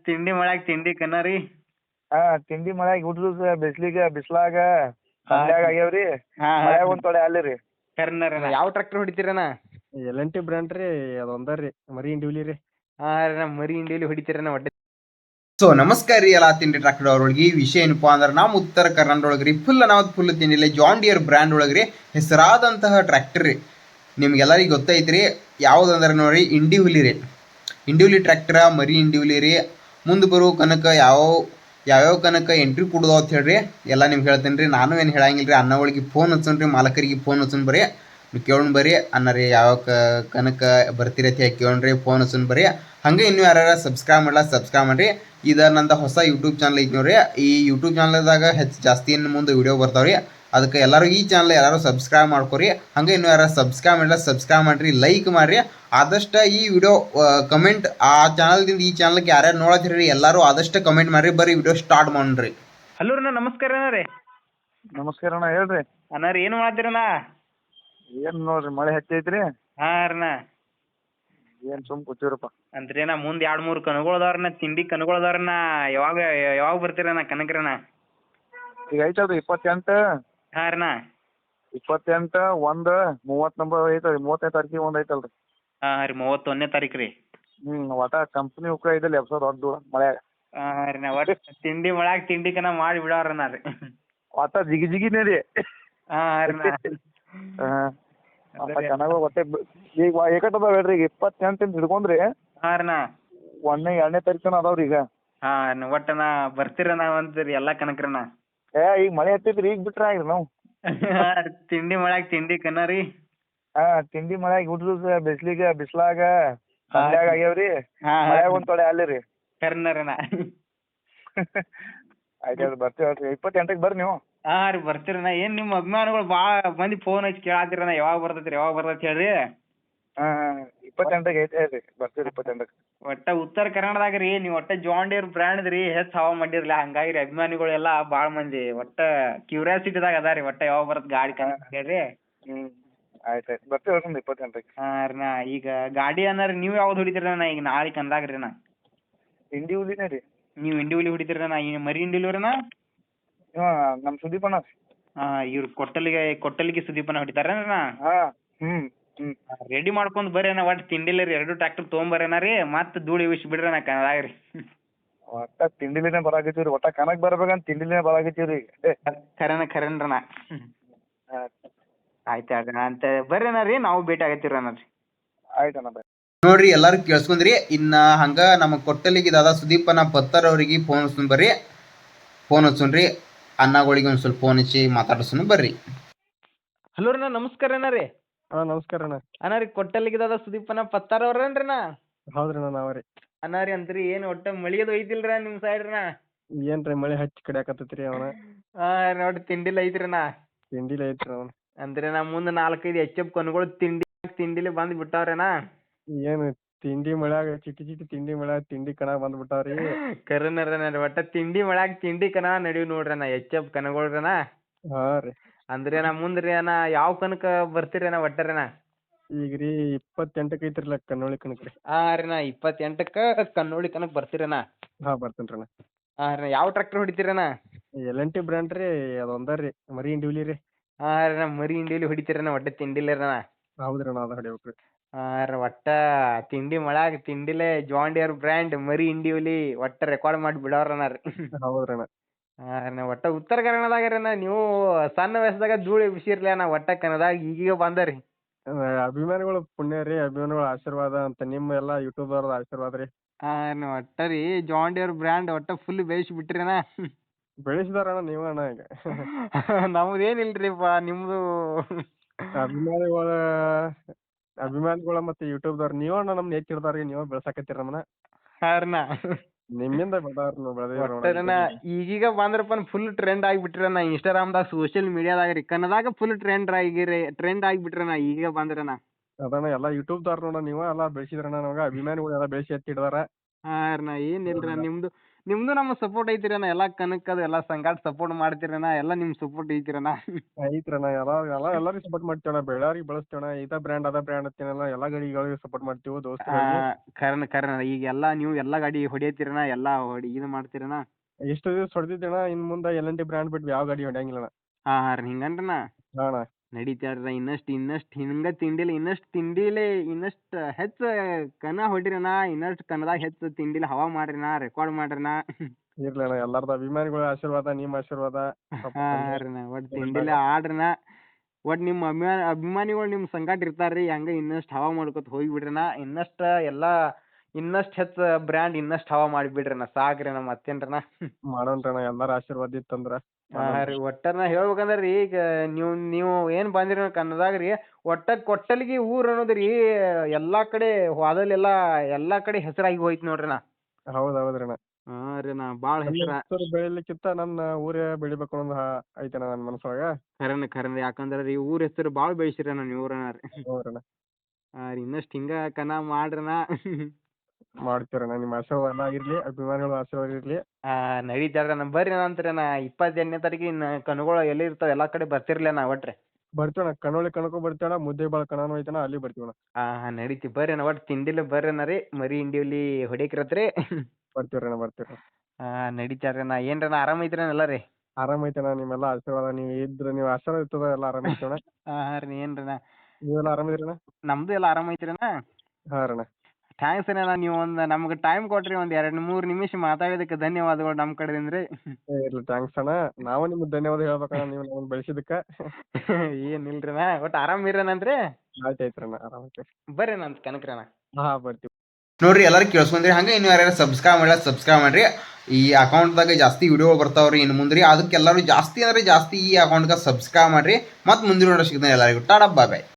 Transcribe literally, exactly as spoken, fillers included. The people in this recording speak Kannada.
ತಿಂಡಿ ಮಾಡಾಕ ತಿಂಡಿ ಕನ್ನರಿ. ಹಾ ತಿಂಡಿ ಮಳ್ಯಾಗ ಹುಡ್ರು ಬಿಸ್ಲಿಗೆ ಬಿಸ್ಲಾಗ ಹಾ ಸಂಡ್ಯಾಗ ಆಗ್ಯಾವ್ರಿ. ಹಾ ಮಳ್ಯಾಗ ಒಂದ್ ತೊಡೆ ಅಲ್ಲಿ ರೀ. ಕರ್ನರನ ಯಾವ ಟ್ರ್ಯಾಕ್ಟರ್ ಹೊಡಿತೀರನ? ಎಲ್ ಎನ್ ಟಿ ಬ್ರ್ಯಾಂಡ್ ರೀ ಅದೊಂದ ರೀ ಮರಿ ಇಂಡಿವಿಲಿ ರೀ. ಹಾ ರೀ ಮರಿ ಇಂಡಿಯಲ್ಲಿ ಹೊಡಿತೀರನ ಒಡ್ಡೆ. ಸೊ ನಮಸ್ಕಾರ ರೀ ಎಲ್ಲ ತಿಂಡಿ ಟ್ರ್ಯಾಕ್ಟರ್ ಅವ್ರೊಳಗೆ ವಿಷಯ ಏನಪ್ಪಾ ಅಂದ್ರೆ ನಮ್ಮ ಉತ್ತರ ಕರ್ನಾಟಕ ಒಳಗೆ ರೀ ಫುಲ್ ನಾವು ಫುಲ್ ತಿಂಡಿಲ್ಲ ಜಾನ್ ಡಿಯರ್ ಬ್ರ್ಯಾಂಡ್ ಒಳಗೆ ರೀ ಹೆಸರಾದಂತಹ ಟ್ರ್ಯಾಕ್ಟರ್ ರೀ. ನಿಮ್ಗೆಲ್ಲರಿಗೆ ಗೊತ್ತೈತ್ರಿ ಯಾವುದಂದ್ರೆ ನೋಡ್ರಿ ಇಂಡಿಹುಲಿ ರೀ. ಇಂಡಿಹುಲಿ ಟ್ರ್ಯಾಕ್ಟರ ಮರಿ ಇಂಡಿಹುಲಿ ರೀ. ಮುಂದೆ ಬರೋ ಕನಕ ಯಾವ ಯಾವ್ಯಾವ ಕನಕ ಎಂಟ್ರಿ ಕೊಡೋದು ಅಂತ ಹೇಳ್ರಿ ಎಲ್ಲ ನಿಮ್ಗೆ ಹೇಳ್ತೇನೆ ರೀ. ನಾನು ಏನು ಹೇಳಂಗಿಲ್ಲ ರೀ. ಅನ್ನ ಒಳಗೆ ಫೋನ್ ಹಚ್ಚೋಣ ರೀ, ಮಾಲಕರಿಗೆ ಫೋನ್ ಹಚ್ಚೋಣ ಬರ್ರಿ ಕೇಳೋಣ ಬರ್ರಿ ಅನ್ನ ರೀ ಯಾವ ಕನಕ ಬರ್ತೀರಿ ಅಂತ ಹೇಳಿ ಕೇಳೋಣ ರೀ, ಫೋನ್ ಹಚ್ಚೋಣ ಬರ್ರಿ. ಹಂಗೆ ಇನ್ನೂ ಯಾರು ಸಬ್ಸ್ಕ್ರೈಬ್ ಮಾಡಲ್ಲ ಸಬ್ಸ್ಕ್ರೈಬ್ ಮಾಡಿರಿ. ಇದು ನಂದು ಹೊಸ ಯೂಟ್ಯೂಬ್ ಚಾನಲ್ ಐತಿ ನೋಡ್ರಿ. ಈ ಯೂಟ್ಯೂಬ್ ಚಾನಲ್ದಾಗ ಹೆಚ್ಚು ಜಾಸ್ತಿ ಇನ್ನು ಮುಂದೆ ವೀಡಿಯೋ ಬರ್ತಾವೆ ರೀ. ಅದಕ್ಕೆ ಎಲ್ಲರೂ ಈ ಚಾನಲ್ ಎಲ್ಲರೂ ಸಬ್ಸ್ಕ್ರೈಬ್ ಮಾಡ್ಕೊರಿ. ಹಂಗೆ ಇನ್ನೂ ಯಾರು ಸಬ್ಸ್ಕ್ರೈಬ್ ಮಾಡಿಲ್ಲ ಸಬ್ಸ್ಕ್ರೈಬ್ ಮಾಡಿರಿ, ಲೈಕ್ ಮಾಡಿರಿ. ಆದಷ್ಟು ಈ ವಿಡಿಯೋ ಕಮೆಂಟ್ ಆ ಚಾನಲ್ದಿಂದ ಈ ಚಾನಲ್ಗೆ ಯಾರ್ಯಾರು ನೋಡತ್ತೀರಿ ಎಲ್ಲರೂ ಆದಷ್ಟು ಕಮೆಂಟ್ ಮಾಡಿರಿ. ಬರ್ರಿ ವಿಡಿಯೋ ಸ್ಟಾರ್ಟ್ ಮಾಡ್ರಿ. ಹಲೋ ರೀ ನಮಸ್ಕಾರ ಅಣ್ಣ ರೀ. ನಮಸ್ಕಾರ ಅಣ್ಣ ಹೇಳ್ರಿ. ಅಣ್ಣ ರೀ ಏನು ಮಾಡ್ತೀರಣ್ಣ? ಏನ್ ನೋಡ್ರಿ ಮಳೆ ಹೆಚ್ಚೈತ್ರಿ. ಹಾ ರೀ ಏನ್ ಸುಮ್ ಕೂತೀವ್ರಪ್ಪ. ಅಂದ್ರಿ ನಾ ಮುಂದೆ ಎರಡು ಮೂರು ಕನಗಳು ಅದಾವ್ರಣ್ಣ, ತಿಂಡಿ ಕನಗಳು ಅದಾವ್ರಣ್ಣ. ಯಾವಾಗ ಯಾವಾಗ ಬರ್ತೀರಣ್ಣ ಕನಕ್ರಣ್ಣ? ಈಗ ಐತಲ್ರಿ ಇಪ್ಪತ್ತೆಂಟು ಹಾ ರೀ ಇಪ್ಪತ್ತೆಂಟು ಒಂದ್ ಮೂವತ್ ನಂಬರ್ ಐತಲ್ರಿ. ಮೂವತ್ತನೇ ತಾರೀಕಿಗೆ ಒಂದ್ ಐತಲ್ರಿ. ಹಾ ರೀ ಮೂವತ್ತೊಂದನೇ ತಾರೀಕು ರೀ. ಹ್ಮ್ ಒಟ ಕಂಪ್ನಿ ಉಕ್ಕ ಐದಲ್ಲ ಎಪ್ಸೋ ದೊಡ್ಡ ಮಳ್ಯಾಗ. ಹಾ ರೀ ನಾ ಒಟ್ಟು ತಿಂಡಿ ಮಾಡಾಕ ತಿಂಡಿ ಕನ ಮಾಡಿ ಬಿಡೋರಣ್ಣ ರೀ. ಒಟ ಜಿಗಿ ಜಿಗಿನೇ ರೀ. ಹಾ ರೀ ಚೆನ್ನಾಗ ಒಟ್ಟೆ ಈಗ ಏಕಟ್ ಅದಾವ ಹೇಳ್ರಿ. ಈಗ ಇಪ್ಪತ್ತೆಂಟಿಂದ ಹಿಡ್ಕೊಂಡ್ರಿ ಹಾ ರೀ ಒಂದನೇ ಎರಡನೇ ತಾರೀಕು ಅದಾವ್ರಿ ಈಗ. ಹಾ ಒಟ್ಟನ ಬರ್ತೀರಣ್ಣ ಅಂತೀರಿ ಎಲ್ಲಾ ಕನಕ್ರಣ್ಣ. ಏ ಈಗ ಮಳೆ ಹತ್ತೈತ್ರಿ ಈಗ ಬಿಟ್ರ ಆಗ್ರಿ ನಾವು. ತಿಂಡಿ ಮಾಡಾಕ ತಿಂಡಿ ಕನ ರೀ. ಹಾ ತಿಂಡಿ ಮಳ್ಯಾಗ ಹುಡ್ರು ಬಿಸ್ಲಿಗೆ ಬಿಸ್ಲಾಗ ಸಂಡ್ಯಾಗ ಆಗ್ಯಾವ್ರಿ. ಮಳ್ಯಾಗ ಒಂದ್ ತೊಡೆ ಅಲ್ಲಿ ರೀ. ಕರ್ನರನ ಆಯ್ತು ಬರ್ತೀವಿ ಹೇಳ್ರಿ ಇಪ್ಪತ್ತೆಂಟಕ್ಕೆ ಬರ್ರಿ ನೀವು. ಹಾ ರೀ ಬರ್ತೀರಣ್ಣ. ಏನ್ ನಿಮ್ಮ ಅಭಿಮಾನಿಗಳು ಭಾಳ ಮಂದಿ ಫೋನ್ ಹಚ್ಚಿ ಕೇಳಾತಿರಣ್ಣ ಯಾವಾಗ ಬರ್ತೈತ್ರಿ ಯಾವಾಗ ಬರ್ತೈತಿ ಹೇಳ್ರಿ. ಹಾ ಹಾ ಇಪ್ಪತ್ತೆಂಟಕ್ಕೆ ಐತೆ ಹೇಳ್ರಿ ಬರ್ತೀವಿ ಇಪ್ಪತ್ತೆಂಟಕ್ಕೆ. ಒಟ್ಟ ಉತ್ತರ ಕನ್ನಡದಾಗ ರೀ ನೀವು ಒಟ್ಟ ಜಾನ್ ಡಿಯರ್ ಬ್ರ್ಯಾಂಡ್ ರೀ ಹೆಚ್ಚು ಹವಾ ಮಾಡಿರ್ಲಿ. ಹಂಗಾಗಿ ರೀ ಅಭಿಮಾನಿಗಳೆಲ್ಲ ಭಾಳ ಮಂದಿ ಒಟ್ಟ ಕ್ಯೂರಿಯಾಸಿಟಿದಾಗ ಅದ ರೀ ಒಟ್ಟ ಯಾವಾಗ ಬರತ್ ಗಾಡಿ ಕನ ಹೇಳ್ರಿ. ಹ್ಮ್ ಆಯ್ತು ಆಯ್ತು ಬರ್ತೀವಿ ಹೇಳ್ರಿ ಇಪ್ಪತ್ತೆಂಟಕ್ಕೆ. ಹಾ ರೀ ನಾ ಈಗ ಗಾಡಿ ಅಂದ್ರೆ ನೀವು ಯಾವ್ದು ಹೊಡಿತೀರಣ್ಣ ಈಗ ನಾಳೆ ಕಂದಾಗ ರೀ ನಾ? ಇಂಡಿ ಹುಲಿನೇ ರೀ. ನೀವು ಇಂಡಿ ಹುಲಿ ಹೊಡಿತೀರಣ್ಣ? ಈ ಮರಿ ಇಂಡಿ ಹುಲಿರಣ್ಣ? ಹಾ ನಮ್ಮ ಸುದೀಪಣ್ಣ. ಹಾ ಇವ್ರು ಕೊಟ್ಟಲಿಗೆ ಕೊಟ್ಟಲಿಗೆ ಸುದೀಪಣ್ಣ ಹೊಡಿತಾರೇನ? ಹಾ ಹ್ಮ್ ಹ್ಮ್ ರೆಡಿ ಮಾಡ್ಕೊಂಡ್ ಬರ್ರಿ ಒಟ್ಟು ತಿಂಡಿಲ್ಲ ರೀ. ಎರಡು ಟ್ರ್ಯಾಕ್ಟರ್ ತೊಗೊಂಬರ್ರೇನ ರೀ ಮತ್ತೆ ಧೂಳಿ ವಿಷ್ ಬಿಡ್ರಿ ಕನ್ನದಾಗ ರೀ. ಒಟ್ಟ ತಿಂಡಿಲಿನೇ ಬರಾಕತ್ತೀವ್ರಿ. ಒಟ್ಟ ಕನಕ್ ಬರ್ಬೇಕಂತ ತಿಂಡಿಲಿನೇ ಬರಾಕತ್ತೀವ್ರಿ. ಖರೇನ ಖರೇನ್ರಣ್ಣ. ಆಯ್ತು ಅಣ್ಣ ಅಂತ ಬರ್ರೇನ ರೀ ನಾವು ಭೇಟಿ ಆಗತ್ತೀರಣ್ಣ ರೀ. ಆಯ್ತಣ್ಣ ಬಾಯ್. ನೋಡ್ರಿ ಎಲ್ಲರೂ ಕೇಳಿಸ್ಕೊಂಡ್ರಿ. ಇನ್ನು ಹಂಗೆ ನಮ್ಮ ಕೊಟ್ಟಲಿಗೆ ದಾದಾ ಸುದೀಪನ ಪತ್ತರ್ ಅವ್ರಿಗೆ ಫೋನ್ ಹಚ್ಚೋಣ ಬರ್ರಿ, ಫೋನ್ ಹಚ್ಚೋಣ್ರಿ ಅನ್ನಗಳಿಗೆ ಒಂದು ಸ್ವಲ್ಪ ಫೋನ್ ಹಚ್ಚಿ ಮಾತಾಡ್ಸೋಣ ಬರ್ರಿ. ಹಲೋ ರೀ ನಮಸ್ಕಾರ ಅಣ್ಣ ರೀ. ಹಾ ನಮಸ್ಕಾರ ಅಣ್ಣ. ಅಣ್ಣ ರೀ ಕೊಟ್ಟಲಿಗೆ ದಾದಾ ಸುದೀಪನ ಪತ್ತಾರ ಅವ್ರೇನ್ರಿ ನಾ? ಹೌದ್ರಿ ಅಣ್ಣ ನಾವ ರೀ. ಅಣ್ಣ ರೀ ಅಂತ್ರಿ ಏನು ಒಟ್ಟ ಮಳಿಯದು ಐತಿಲ್ರಿ ನಿಮ್ಮ ಸೈಡ್ ರೀ? ಏನ್ರಿ ಮಳೆ ಹಚ್ಚಿ ಕಡಿಯಾಕತ್ತೈತ್ರಿ ಅವನ. ಹಾ ನೋಡಿ ತಿಂಡಿಲ್ಲ ಐತ್ರಿ ನಾ? ತಿಂಡಿಲಿ ಐತ್ರಿ ಅವನ. ಅಂದ್ರೆ ನಾ ಮುಂದೆ ನಾಲ್ಕೈದು ಎಚ್ ಎಫ್ ಕನ್ಗಳು ತಿಂಡಿ ತಿಂಡಿಲಿ ಬಂದ್ ಬಿಟ್ಟಾವ್ರೇನಾ? ಏನು ತಿಂಡಿ ಮಳ್ಯಾಗ ಚಿಟಿ ಚಿಟಿ ತಿಂಡಿ ಮಳ್ಯಾಗ ತಿಂಡಿ ಕಣ ಬಂದ್ ಬಿಟ್ಟಾವ್ರಿ. ಕರೆನರ ಒಟ್ಟ ತಿಂಡಿ ಮಳ್ಯಾಗ ತಿಂಡಿ ಕನ ನಡಿವ್ ನೋಡ್ರಣ್ಣ ಎಚ್ ಎಫ್ ಕನಗಳ್ರನ. ಹಾ ರೀ ಅಂದ್ರೆ ನಾ ಮುಂದ್ರಿ ಅಣ್ಣ ಯಾವ ಕನಕ ಬರ್ತೀರಣ್ಣ ಒಟ್ಟರೇನ? ಈಗ ರೀ ಇಪ್ಪತ್ತೆಂಟಕ್ಕೆ ಐತ್ರಿಲ್ಲ ಕನ್ನೋಳಿ ಕನಕ ರೀ. ಹಾ ರೀ ನಾ ಇಪ್ಪತ್ತೆಂಟಕ್ಕ ಕನ್ನೋಳಿ ಕನಕ್ ಬರ್ತೀರಣ್ಣ? ಹಾ ಬರ್ತೇನ್ರಿ ಅಣ್ಣ. ಹಾ ರೀ ಯಾವ ಟ್ರ್ಯಾಕ್ಟರ್ ಹೊಡಿತೀರಣ್ಣ? ಎಲ್ ಎನ್ ಟಿ ಬ್ರ್ಯಾಂಡ್ ರೀ ಅದೊಂದ ರೀ ಮರಿ ಇಂಡಿವಿಲಿ ರೀ. ಹಾ ರೀ ನಾ ಮರಿ ಇಂಡಿಯಲ್ಲಿ ಹೊಡಿತೀರಣ್ಣ ಒಟ್ಟ ತಿಂಡಿಲ್ಲರಣ? ಹೌದ್ರಿ ಅಣ್ಣ ಅದ ಹೊಡಿಬೇಕ್ರಿ. ಹಾ ರೀ ಒಟ್ಟ ತಿಂಡಿ ಮಳ್ಯಾಗ ತಿಂಡಿಲೆ ಜಾನ್ ಡಿಯರ್ ಬ್ರ್ಯಾಂಡ್ ಮರಿ ಇಂಡಿವಲಿ ಒಟ್ಟ ರೆಕಾರ್ಡ್ ಮಾಡಿ ಬಿಡೋರಣ್ಣ ರೀ. ಹೌದ್ರಿ ಅಣ್ಣ. ಹಾ ರೀ ಒಟ್ಟ ಉತ್ತರ ಕನ್ನಡದಾಗ ರೀ ನೀವು ಸಣ್ಣ ವಯಸ್ಸದಾಗ ಧೂಳಿ ಬಿಸಿರ್ಲಿ ಅಣ್ಣ ಒಟ್ಟ ಕನ್ನಡದಾಗ ಈಗೀಗ ಬಂದರಿ. ಅಭಿಮಾನಿಗಳು ಪುಣ್ಯ ರೀ, ಅಭಿಮಾನಿಗಳ ಆಶೀರ್ವಾದ ಅಂತ ನಿಮ್ಮ ಎಲ್ಲಾ ಯೂಟ್ಯೂಬ್ ಅವ್ರದ ಆಶೀರ್ವಾದ ರೀ. ಹಾ ಒಟ್ಟ ರೀ ಜಾನ್ ಡಿಯರ್ ಬ್ರ್ಯಾಂಡ್ ಒಟ್ಟ ಫುಲ್ ಬೇಯಿಸಿ ಬಿಟ್ರಿನ. ಬೆಳೆಸಿದಾರಣ್ಣ ನೀವ ಅಣ್ಣ ಈಗ. ನಮ್ದು ಏನಿಲ್ರಿಪ್ಪ ನಿಮ್ದು. ಅಭಿಮಾನಿಗಳ ಅಭಿಮಾನಿಗಳ ಮತ್ತೆ ಯೂಟ್ಯೂಬ್ದವ್ರು ನೀವ ಅಣ್ಣ ನಮ್ನ ಹೆಚ್ಚಿಡ್ದಾರ ನೀವ ಬೆಳ್ಸಾಕತ್ತೀರ ನಮ್ಮನ್ನ. ಹಾರ್ನ ನಿಮ್ಮಿಂದ ಬೆಳೆದಾರ ಈಗೀಗ ಬಂದ್ರಪ್ಪ ಫುಲ್ ಟ್ರೆಂಡ್ ಆಗಿಬಿಟ್ರಣ್ಣ ಇನ್ಸ್ಟಾಗ್ರಾಮ್ದಾಗ ಸೋಷಿಯಲ್ ಮೀಡಿಯಾದಾಗ ರೀ ಕನ್ನಡದಾಗ ಫುಲ್ ಟ್ರೆಂಡ್ ಆಗಿರಿ ಟ್ರೆಂಡ್ ಆಗಿಬಿಟ್ರಣ್ಣ ಈಗ ಬಂದ್ರಣ್ಣ. ಅದಣ್ಣ ಎಲ್ಲಾ ಯೂಟ್ಯೂಬ್ದವ್ರ ನೋಡ ನೀವ ಎಲ್ಲಾ ಬೆಳೆಸಿದ್ರಣ್ಣ ನಮಗ ಅಭಿಮಾನಿಗಳು ಎಲ್ಲಾ ಬೆಳೆಸಿ ಎತ್ತಿಡ್ದಾರ. ಹಾ ರೀ ಏನಿಲ್ರ ನಿಮ್ದು ನಿಮ್ದು ನಮ್ಮ ಸಪೋರ್ಟ್ ಐತಿರಣ್ಣ ಎಲ್ಲಾ ಕನಕದು ಎಲ್ಲಾ ಸಂಗಾಟ ಸಪೋರ್ಟ್ ಮಾಡ್ತಿರಣ್ಣ ಎಲ್ಲಾ ನಿಮ್ ಸಪೋರ್ಟ್ ಐತಿರಣ್ಣ. ಐತ್ರಣ್ಣ ಎಲ್ಲ ಎಲ್ಲ ಎಲ್ಲರಿಗೂ ಸಪೋರ್ಟ್ ಮಾಡ್ತೇವಣ್ಣ, ಬೆಳ್ಳಾರಿಗೆ ಬೆಳೆಸ್ತೇವಣ್ಣ, ಇದ ಬ್ರ್ಯಾಂಡ್ ಅದ ಬ್ರ್ಯಾಂಡ್ ಅಂತೇನಲ್ಲ ಎಲ್ಲಾ ಗಾಡಿಗಳಿಗೆ ಸಪೋರ್ಟ್ ಮಾಡ್ತೀವಿ ಆ ದೋಸ್ತರಿಗೆ. ಕರ್ನ ಕರ್ನ ಈಗ ಎಲ್ಲಾ ನೀವು ಎಲ್ಲಾ ಗಾಡಿ ಹೊಡಿಯತಿರಣ್ಣ ಎಲ್ಲಾ ಹೊಡಿ ಇದು ಮಾಡ್ತಿರಣ್ಣ. ಎಷ್ಟು ದಿವಸ ಹೊಡೆದಿದ್ದೇಣ, ಇನ್ ಮುಂದೆ ಎಲ್ ಎನ್ ಟಿ ಬ್ರ್ಯಾಂಡ್ ಬಿಟ್ಟು ಯಾವ ಗಾಡಿ ಹೊಡ್ಯಂಗಿಲ್ಲಣ್ಣ. ಹಾ ಹಾ ರೀ ಹಿಂಗನ್ರಣ್ಣ ಹಾ ಅಣ್ಣ. ನಡೀತಾರ್ರ ಇನ್ನಷ್ಟ್ ಇನ್ನಷ್ಟ್ ಹಿಂಗ ತಿಂಡಿಲಿ ಇನ್ನಷ್ಟ್ ತಿಂಡಿಲಿ ಇನ್ನಷ್ಟ್ ಹೆಚ್ಚ ಕನ ಹೊಡಿರಣ್ಣ, ಇನ್ನಷ್ಟ್ ಕನದಾಗ ಹೆಚ್ಚ ತಿಂಡಿಲಿ ಹವಾ ಮಾಡ್ರಿನ ರೆಕಾರ್ಡ್ ಮಾಡ್ರಿನ. ಇರ್ಲಿ ಅಣ್ಣ, ಎಲ್ಲಾರ್ದ ಅಭಿಮಾನಿಗಳ ಆಶೀರ್ವಾದ, ನಿಮ್ಮ ಆಶೀರ್ವಾದ. ಸ್ವಲ್ಪ ಹಾ ಕಮ್ಮಿ ರೀ ಒಟ್ ತಿಂಡಿಲಿ ಆಡ್ರನ, ಒಟ್ ನಿಮ್ ಅಭಿಮಾನ ಅಭಿಮಾನಿಗಳು ನಿಮ್ ಸಂಗಾಟ ಇರ್ತಾರ್ರಿ, ಹಂಗ ಇನ್ನಷ್ಟ್ ಹವಾ ಮಾಡ್ಕೊತ ಹೋಗ್ಬಿಡ್ರನ. ಇನ್ನಷ್ಟ ಎಲ್ಲಾ ಇನ್ನಷ್ಟ್ ಹೆಚ್ಚ ಬ್ರ್ಯಾಂಡ್ ಇನ್ನಷ್ಟ್ ಹವಾ ಮಾಡಿಬಿಡ್ರನ ಸಾಕ್ರಿನ ಮತ್ತೇನ್ರನ. ಮಾಡೋಣ್ರಣ್ಣ, ಎಲ್ಲಾರ ಆಶೀರ್ವಾದ ಇತ್ತಂದ್ರ. ಹಾ ರೀ ಒಟ್ಟ ನಾ ಹೇಳ್ಬೇಕಂದ್ರಿ ಈಗ ನೀವು ನೀವು ಏನ್ ಬಂದಿರಿ ಕನ್ನಡದಾಗ ರೀ, ಒಟ್ಟ ಕೊಟ್ಟಲಿಗಿ ಊರ್ ಅನ್ನೋದ್ರಿ ಎಲ್ಲಾ ಕಡೆ ಹೋದಲ್ಲೆಲ್ಲಾ ಎಲ್ಲಾ ಕಡೆ ಹೆಸರಾಗಿ ಹೋಯ್ತು ನೋಡ್ರಿ ನಾ. ಹೌದ್ ಹೌದ್ರಣ್ಣ. ಹಾ ರೀ ನಾ ಬಾಳ ನನ್ನ ಹೆಸರ ಹೆಸರು ಬೆಳಿಲಿಕ್ಕಿಂತ ನನ್ನ ಊರೇ ಬೆಳಿಬೇಕು ಅನ್ನೋದು ಹ- ಐತಣ್ಣ ನನ್ನ ಮನಸ್ಸೊಳಗ. ಖರೇನ ಖರೇನ ಯಾಕಂದ್ರ ರೀ ಊರ್ ಹೆಸರು ಬಾಳ ಬೆಳೆಸಿರ ನೀವು ಊರನ ರೀ. ಹೌದ್ರಣ್ಣ, ಹಾ ರೀ ಇನ್ನಷ್ಟ್ ಹಿಂಗ ಕನ ಮಾಡ್ರನ. ಮಾಡ್ತೀರಣ್ಣ, ನಿಮ್ಮ ಆಶೀರ್ವಾದ ಎಲ್ಲ ಇರ್ಲಿ, ಅಭಿಮಾನಿಗಳ ಆಶೀರ್ವಾದ ಇರ್ಲಿ. ಆ ನಡೀತಾರ ಬರ್ರಿ ನಂತರ ನಾ ಇಪ್ಪತ್ತೆಂಟನೇ ತಾರೀಕಿನ ಕನುಗಳು ಎಲ್ಲಿ ಇರ್ತಾವ ಎಲ್ಲಾ ಕಡೆ ಬರ್ತಿರ್ಲಿ ನಾ ಒಟ್ರಿ. ಬರ್ತೀವಣ್ಣ, ಕಣ್ಣೊಳಿ ಕಣಕ್ಕೂ ಬರ್ತೀವಣ್ಣ, ಮುದ್ದೆ ಬಾಳ ಕಣನೂ ಐತಣ್ಣ, ಅಲ್ಲಿ ಬರ್ತೀವಣ್ಣ. ಹಾ ಹಾ ನಡೀತಿ ಬರ್ರಿ ನಾ ಒಟ್ ತಿಂಡಿಲಿ ಬರ್ರಿ ರೀ ಮರಿ ಇಂಡಿವಲಿ ಹೊಡಿಯಕ್ರತ್ರಿ. ಬರ್ತೀವ್ರಣ್ಣ ಬರ್ತೀವ್ರಿ. ಹಾ ನಡೀತಾರ್ರಿ ನಾ ಏನ್ರನ ಆರಾಮ ಐತ್ರಿ ಎಲ್ಲ ರೀ. ಆರಾಮ ಐತಣ್ಣ, ನಿಮ್ಮೆಲ್ಲ ಆಶೀರ್ವಾದ, ನೀವು ಇದ್ರ ನೀವು ಆಶೀರ್ವಾದ ಇರ್ತದ ಎಲ್ಲ ಆರಾಮ ಐತಣ್ಣ. ಹಾ ಹಾ ರೀ ಏನ್ರನ ನೀವೆಲ್ಲ ಆರಾಮಿದ್ರಣ್ಣ? ನಮ್ದು ಎಲ್ಲ ಆರಾಮ ಐತ್ರಿನ. ಹಾ ರಣ್ಣ. ಥ್ಯಾಂಕ್ಸ್ ಅಣ್ಣ, ನೀವು ಒಂದ್ ನಮ್ಗೆ ಟೈಮ್ ಕೊಟ್ರಿ ಒಂದ್ ಎರಡ್ ಮೂರ್ ನಿಮಿಷ ಮಾತಾಡಿದಕ್ಕೆ ಧನ್ಯವಾದಗಳು ನಮ್ ಕಡೆಯಿಂದ ರೀ. ಏ, ಇರ್ಲಿ, ಥ್ಯಾಂಕ್ಸ್ ಅಣ್ಣ, ನಾವು ನಿಮ್ಗೆ ಧನ್ಯವಾದ ಹೇಳ್ಬೇಕಣ್ಣ, ನೀವು ನಮ್ಮನ್ನ ಬೆಳೆಸಿದಕ್ಕ. ಏನಿಲ್ರಿ ನಾ ಒಟ್ಟು ಆರಾಮ್ ಇರೋಣಂತ್ರಿ. ಆಯ್ತು ಆಯ್ತ್ರಣ್ಣ, ಆರಾಮ ಐತೆ. ಬರ್ರಿ ನಂತ ಕನಕ್ರಣ. ಹಾ ಬರ್ತೀವಿ. ನೋಡ್ರಿ ಎಲ್ಲರೂ ಕೇಳಿಸ್ಕೊಂಡ್ರಿ, ಹಂಗೆ ಇನ್ನು ಯಾರ್ಯಾರು ಸಬ್ಸ್ಕ್ರೈಬ್ ಮಾಡಿಲ್ಲ ಸಬ್ಸ್ಕ್ರೈಬ್ ಮಾಡ್ರಿ. ಈ ಅಕೌಂಟ್ದಾಗ ಜಾಸ್ತಿ ವಿಡಿಯೋ ಬರ್ತಾವ್ರಿ ಇನ್ನು ಮುಂದ್ರಿ, ಅದಕ್ಕೆ ಎಲ್ಲರೂ ಜಾಸ್ತಿ ಅಂದ್ರೆ ಜಾಸ್ತಿ ಈ ಅಕೌಂಟ್ಗೆ ಸಬ್ಸ್ಕ್ರೈಬ್ ಮಾಡ್ರಿ. ಮತ್ತು ಮುಂದಿನ ವಿಡಿಯೋ ಸಿಗ್ತಾನೆ ಎಲ್ಲರಿಗೂ ಟಾಟಾ ಬಾಯ್ ಬಾಯ್.